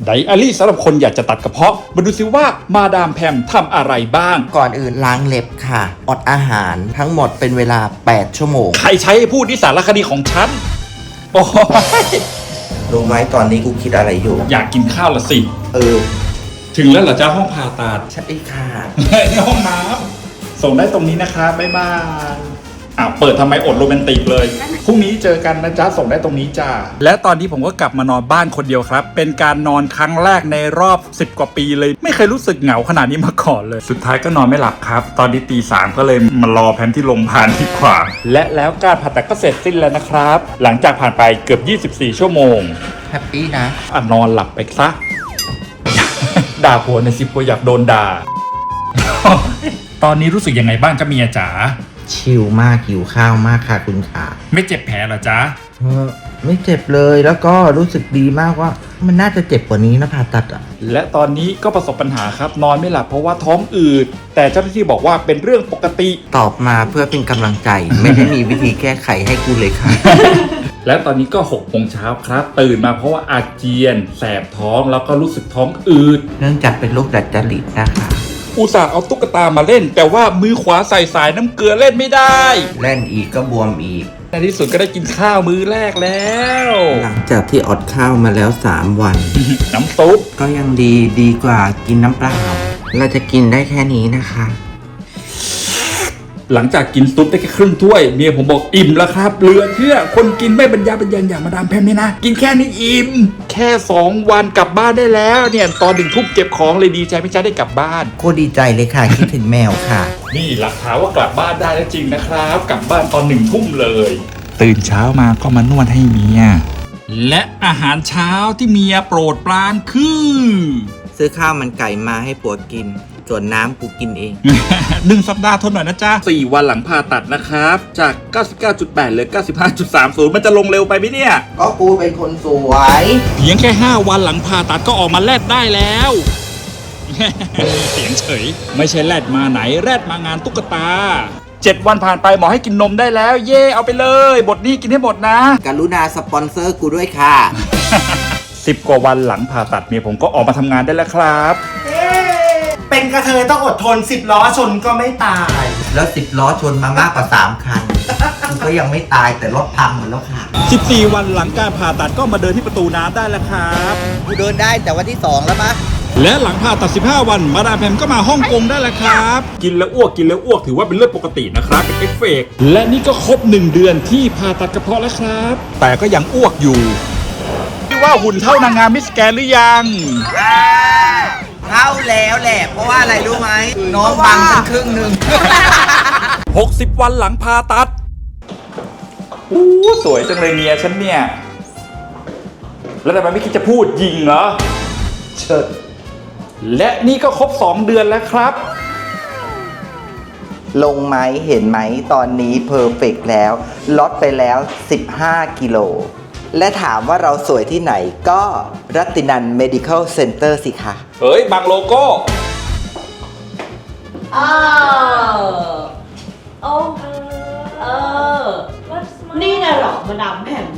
ไดอารี่สำหรับคนอยากจะตัดกระเพาะมาดูซิว่ามาดามแพมทำอะไรบ้างก่อนอื่นล้างเล็บค่ะอดอาหารทั้งหมดเป็นเวลา8ชั่วโมงใครใช้ให้พูดนิสารคดีของฉันโอ้ยรู้ไหมตอนนี้กูคิดอะไรอยู่อยากกินข้าวละสิถึงแล้วเหรอจ้าห้องผ่าตัดใช่ค่ะในห้องน้ำส่งได้ตรงนี้นะคะบ๊ายบายเปิดทำไมอดโรแมนติกเลยพรุ่งนี้เจอกันนะจ๊ะส่งได้ตรงนี้จ้าและตอนนี้ผมก็กลับมานอนบ้านคนเดียวครับเป็นการนอนครั้งแรกในรอบ10 กว่าปีเลยไม่เคยรู้สึกเหงาขนาดนี้มาก่อนเลยสุดท้ายก็นอนไม่หลับครับตอนนี้ตี 3ก็เลยมารอแพมที่โรงพยาบาลดีกว่าและแล้วการผ่าตัดก็เสร็จสิ้นแล้วนะครับหลังจากผ่านไปเกือบ24 ชั่วโมงแฮปปี้นะนอนหลับไปซะ ด่าผัวในสิบผัวอยากโดนด่า ตอนนี้รู้สึกยังไงบ้างจ้าเมียจ๋าชิลมากหิวข้าวมากค่ะคุณขาไม่เจ็บแผลเหรอจ๊ะไม่เจ็บเลยแล้วก็รู้สึกดีมากว่ามันน่าจะเจ็บกว่านี้นะผ่าตัดและตอนนี้ก็ประสบปัญหาครับนอนไม่หลับเพราะว่าท้องอืดแต่เจ้าหน้าที่บอกว่าเป็นเรื่องปกติตอบมาเพื่อเป็นกำลังใจ ไม่ได้มีวิธีแก้ไขให้กูเลยค่ะและตอนนี้ก็6 โมงเช้าครับตื่นมาเพราะว่าอาเจียนแสบท้องแล้วก็รู้สึกท้องอืดเนื่องจากเป็นโรคดัดจริตนะคะอุตส่าห์เอาตุ๊กตามาเล่นแต่ว่ามือขวาใส่สายน้ำเกลือเล่นไม่ได้เล่นอีกก็บวมอีกในที่สุดก็ได้กินข้าวมื้อแรกแล้วหลังจากที่อดข้าวมาแล้ว3 วันน้ำซุปก็ยังดีกว่ากินน้ำเปล่าเราจะกินได้แค่นี้นะคะหลังจากกินซุปได้แค่ครึ่งถ้วยเมียผมบอกอิ่มแล้วครับเหลือเชื่อคนกินไม่บรรยาบรรยังอย่างมาดามแพมนี่นะกินแค่นี้อิ่มแค่2 วันกลับบ้านได้แล้วเนี่ยตอน1 ทุ่มเก็บของเลยดีใจไม่ใช่ได้กลับบ้านโคตรดีใจเลยค่ะ คิดถึงแมวค่ะนี่หลักฐานว่ากลับบ้านได้แล้วจริงนะครับกลับบ้านตอน1 ทุ่มเลยตื่นเช้ามาก็มานวดให้เมียและอาหารเช้าที่เมียโปรดปรานคือซื้อข้าวมันไก่มาให้ผัวกินส่วนน้ำกูกินเอง 1 สัปดาห์ทนหน่อยนะจ๊ะ4 วันหลังผ่าตัดนะครับจาก 99.8 เหลือ 95.30 มันจะลงเร็วไปไหมเนี่ยก็กูเป็นคนสวยเพียงแค่5 วันหลังผ่าตัดก็ออกมาแลดได้แล้ว เสียงเฉยไม่ใช่แลดมาไหนแลดมางานตุ๊กตา7 วันผ่านไปหมอให้กินนมได้แล้วเย่เอาไปเลยบทนี้กินให้หมดนะกรุณาสปอนเซอร์กูด้วยค่ะ 10 กว่าวันหลังผ่าตัดเมียผมก็ออกมาทำงานได้แล้วครับเป็นกระเทยต้องอดทน10 ล้อชนก็ไม่ตายแล้ว10 ล้อชนมามากกว่า3 คันกูก็ยังไม่ตายแต่รถพังหมดแล้วค่ะ 14 วันหลังการผ่าตัดก็มาเดินที่ประตูน้ำได้แล้วครับกูเดินได้แต่วันที่2แล้วปะและหลังผ่าตัด15 วันมาดามแพมก็มาฮ่องกงได้แล้วครับกินแล้วอ้วกถือว่าเป็นเรื่องปกตินะครับเป็นเอฟเฟกต์และนี่ก็ครบ1 เดือนที่ผ่าตัดกระเพาะแล้วครับแต่ก็ยังอ้วกอยู่ที่ว่าหุ่นเท่านางงามมิสแกรนด์หรือยังเข้าแล้วแหละเพราะว่าอะไรรู้ไหมน้องบังฉันครึ่งหนึ่ง 60 วันหลังผ่าตัดสวยจังเลยเมียฉันเนี่ยแล้วทำไมไม่คิดจะพูดยิงเหรอเชิดและนี่ก็ครบ2 เดือนแล้วครับลงไหมเห็นไหมตอนนี้เพอร์เฟกต์แล้วลดไปแล้ว15 กิโลและถามว่าเราสวยที่ไหนก็รัตตินัน Medical Center สิคะเฮ้ยบางโลโก้นี่นะหรอมาดามแพม